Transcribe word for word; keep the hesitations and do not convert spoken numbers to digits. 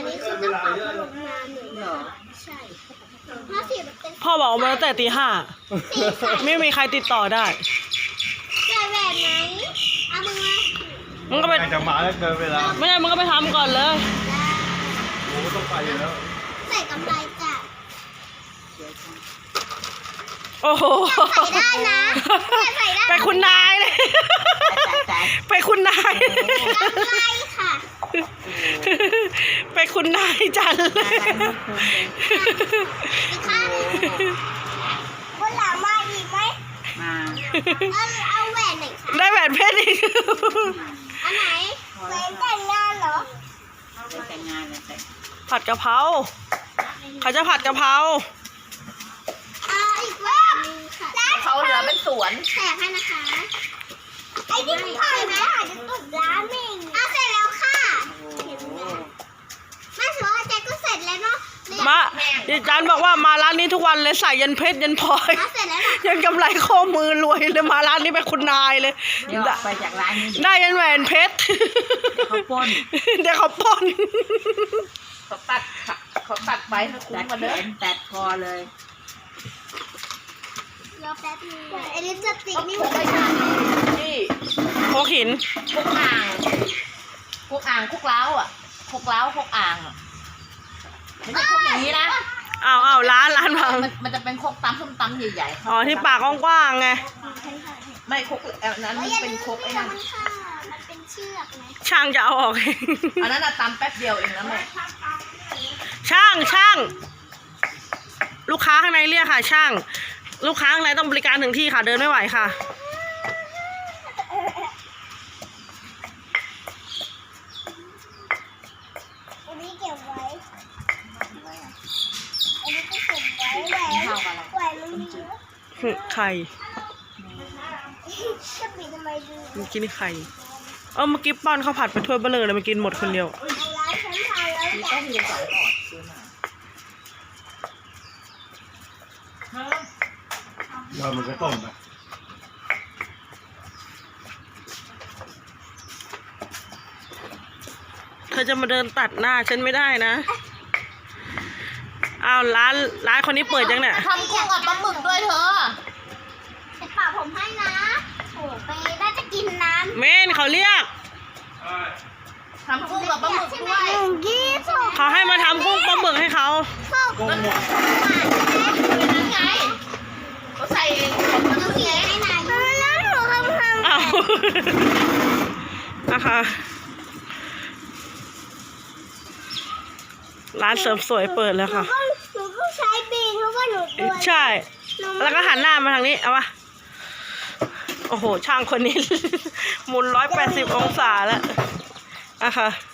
นี้คือต้องปรับพัดลมนานหนึ่งเหรอใช่ห้าสิบเป็นพ่อบอกมาตั้งแต่ตีห้าไม่มีใครติดต่อได้ใส่แบบไหนเอามึงมามึงก็ไปจะมาแล้วเกินเวลาไม่ใช่มึงก็ไปทำก่อนเลยโอ้ต้องไปอยู่แล้วใส่กำไรจ้ะโอ้โหใส่ได้นะใส่ได้ไปคุณนายเลยไปคุณนายกำไรค่ะไปคุณนายจันเลยอีกข้างคนหลังมาอีกไหมมาเอาเอาแหวนไหนคะได้แหวนเพชรอีกอันไหนแหวนแต่งงานเหรอแต่งงานเลยแต่ผัดกะเพราเขาจะผัดกะเพราเอาอีกแหวนนึงค่ะเขาเหลือเป็นสวนแจกให้นะคะไอ้ที่พ่อไหมอาจจะตุ่มร้านเองเอาเสร็จแล้วค่ะแม่สวยแจ็คก็เสร็จแล้วเนาะมาดิจันบอกว่ามาร้านนี้ทุกวันเลยใส่ยันเพชรยันพลอยยันกำไรข้อมือรวยเลยมาร้านนี้ไปคุณนายเลยเดี๋ยวไปจากร้านนี้ได้ยันแหวนเพชรเขาปนเดี๋ยวเขาปนเขาตัดเขาตัดไปเขาคุ้มมาเลยตัดคอเลยรอแป๊บนึงไอ้ลิปสติกนี่ไม่ใช่นี่โคหินคุกอ่างคุกอ่างคุกเล้าอ่ะคุกเล้าคุกอ่างอ่ะไม่ใช่คุกอย่างนี้นะอ้าวอ้าวร้านร้านบางมันจะเป็นคุกตำส้มตำใหญ่ๆอ๋อที่ปากกว้างๆไงไม่คุกนั้นเป็นคุกไอ้นั่นมันเป็นเชือกไหมช่างจะเอาออกอันนั้นตำแป๊บเดียวเองนะแม่ช่างช่างลูกค้าข้างในเรียกค่ะช่างลูกค้าข้างในต้องบริการถึงที่ค่ะเดินไม่ไหวค่ะอันนี้เก็บไว้อันนี้ก็เก็บไว้แหวนแหวนมันมีเยอะไข่จะปิดทำไมดูเมื่อกี้นี่ไข่เออเมื่อกี้ป้อนข้าวผัดไปถ้วยเบลอเลยมากินหมดคนเดียวร้านฉันทานแล้วต้องมีสองหลอดซื้อมาเรามันก็ต้มนะเธอจะมาเดินตัดหน้าฉันไม่ได้นะอ้าวร้านร้านคนนี้เปิดยังเนี่ยทำกุ้งกับปลาหมึกด้วยเธอเสร็จปากผมให้นะโอ้ไปน่าจะกินน้ำเมนเขาเรียกทำกุ้งกับปลาหมึกด้วยเขาให้มาทำกุ้งปลาหมึกให้เขากุ้งหมดเป็นยังไงเขาใส่เขาต้องเสียให้นายแล้วหนูทำทำอ้าวนะคะร้านเสริมสวยเปิดแล้วค่ะหนูก็ใช้บีนเพราะว่าหนูตัวใช่แล้วก็หันหน้ามาทางนี้เอาวะโอ้โหช่างคนนี้หมุนร้อยแปดสิบองศาแล้วอะค่ะ